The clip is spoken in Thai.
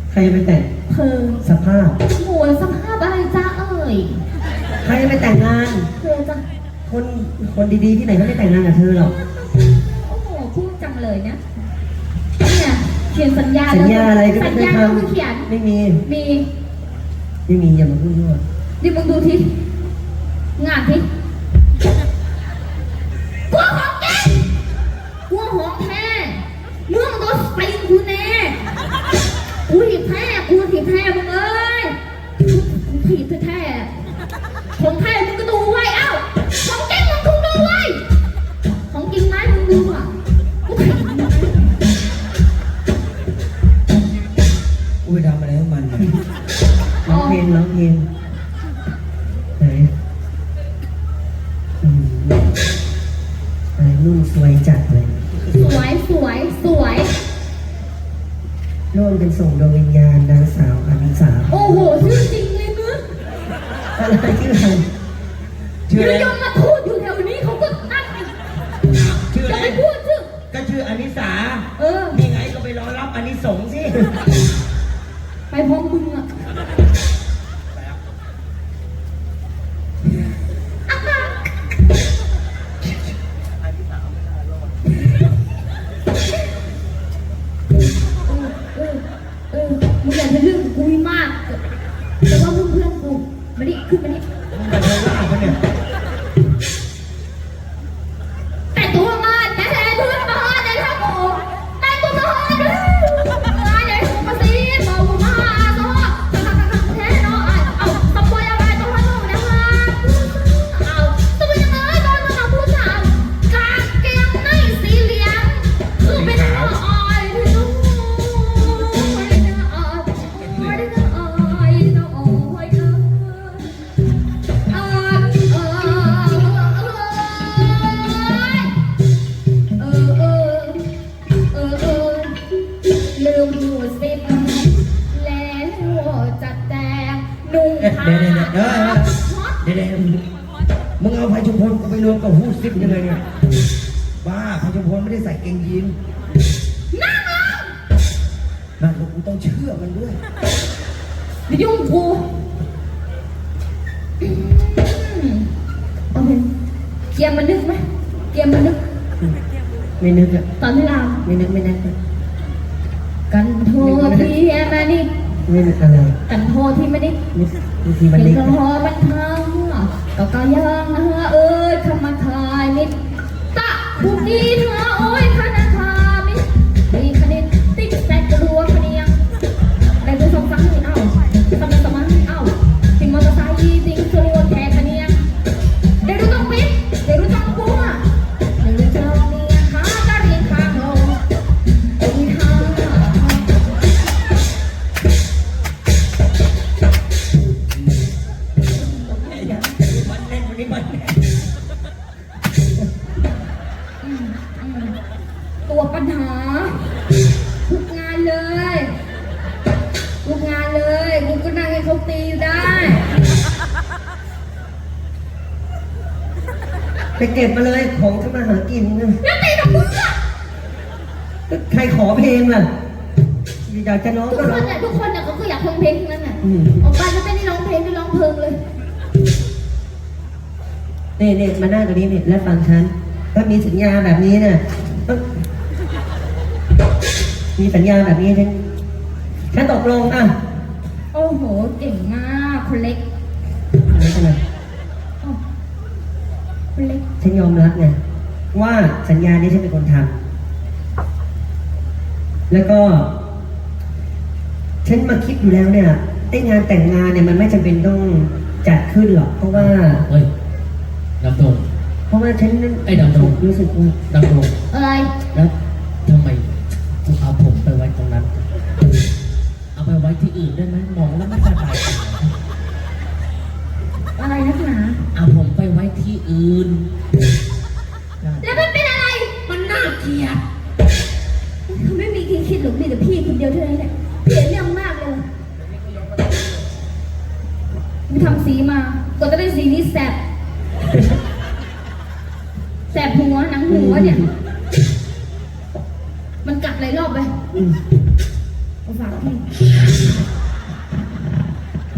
ใครไปแต่งเธอสภาพโหสภาพอะไรจ้าเอ่ยใครไปแต่งงานเธอจ้ะคนดีๆที่ไหนเขาไม่แต่งงานกับเธอหรอกโอ้โหพูดจังเลยนะเนี่ยเขียนสัญญาอะไรก็สัญญาก็คือเขียนไม่มีอย่ามาพูดด้วยดิมึงดูทีงานทีกลัวของแกกลัวของแท้เมื่อโดนไปกูแน่กูถีบแท้มึงเอ้ยกูถีบแท้ของแท้มึงก็ดูไว้เอ้าของจริงมึงก็ดูไว้ของจริงไหมมึงดูอ่ะกูถีบกูไปทำอะไรให้มันร้องเพลงไหนอะไรนุ่นสวยจัดเลยสวยนุ่นเป็นส่งดวงวิญญาณนางสาวอนิสาโอ้โหชื่อจริงเลยมึงอะไรชื่ออะไรชื่ออะไรยังมาพูดอยู่แถวนี้เขาก็ตั้งชื่ออะไรจะไม่พูดชื่อก็ชื่ออนิสานี่ไงก็ไปรอรับอานิสงส์สิไปพร้อมมึงอ่ะมึงอยากจะเรื่องกูมากแต่ว่าเพื่อนกูมาดิขึ้นมาดิมาเดินล่าเขาเนี่ยแต่ตัวมาแต่ตัวมาแต่ถ้าโง่แต่ตัวมาเลยมาเลยมาสิมามาตัวแท้เนาะเอาตะโกนยังไงตัวน้องนะคะเอาตัวยังไงตัวน้องผู้ชายกางเกงในสีเหลืองคือเป็นอ้อยที่น้องเดี๋ยวมึงเอาไผ่ชุมพลกูไปรวมกับฮู้ซิปยังไงเนี่ยบ้าไผ่ชุมพลไม่ได้ใส่เกงยีนนั่งกูต้องเชื่อมันด้วยยุ่งกูโอเคเกียร์มันนึกไหมไม่นึกอะตอนที่เราไม่นึกกันโทษที่มานี่ไม่นึกอะไรกันโทษที่ไม่ได้ทีมันนึกกันโทษมันทั้งก็ยังเอ้ยคำมาทายนิดตะบุกดีเธอโอ้ยคณะคามิดีคณิตติ๊กแตกกลัวคเนียงได้ดูสองสังเอ้าสมัยเอ้าทิ้งมอเตอร์ไซค์ทิ้งสลัวแค่คเนียงได้ดูต้องปิดได้ดูต้องบัวได้ดูเจ้าเนี่ยหากระเรียงข้างลงโอ้ยหาตัวปัญหาทุกงานเลยกูก็นั่งให้เขาตีอยู่ได้ไปเก็บมาเลยของทำมาหากินนะแล้วตีกับมึงอ่ะใครขอเพลงล่ะอยากจะร้องก็ร้องทุกคนเนี่ยเขาก็อยากฟังเพลงทั้งนั้นน่ะออกไปก็ไม่ได้ร้องเพลงไม่ร้องเพลงเลยเนี่ยมาหน้าตรงนี้เนี่ยแล้วฟังฉันถ้ามีสัญญาแบบนี้น่ะมีสัญญาแบบนี้ฉันตกลงอ่ะโอ้โหเก่งมากคนเล็กคนเล็กฉันยอมรับไงว่าสัญญานี้ฉันเป็นคนทำแล้วก็ฉันมาคิดอยู่แล้วเนี่ยไอ้งานแต่งงานเนี่ยมันไม่จำเป็นต้องจัดขึ้นหรอกเพราะว่าดำรงเพราะว่าฉันไอ้ดำรงรู้สึกว่าดำรงอะไรแล้วทำไมกูเอาผมไปไว้ตรงนั้นเอาไปไว้ที่อื่นได้ไหมมองแล้วไม่สบายอะไรนักหนาเอาผมไปไว้ที่อื่นแล้วมันเป็นอะไรมันน่าเกลียดเขาไม่มีใครคิดหรอกมีแต่พี่คนเดียวเท่านั้นแหละเปลี่ยนเรื่องมากเลยมึงทำสีมากว่าจะได้สีนี้แสบหัวหนังหัวเนี่ยมันกัดหลายรอบไปเอาฝากพี่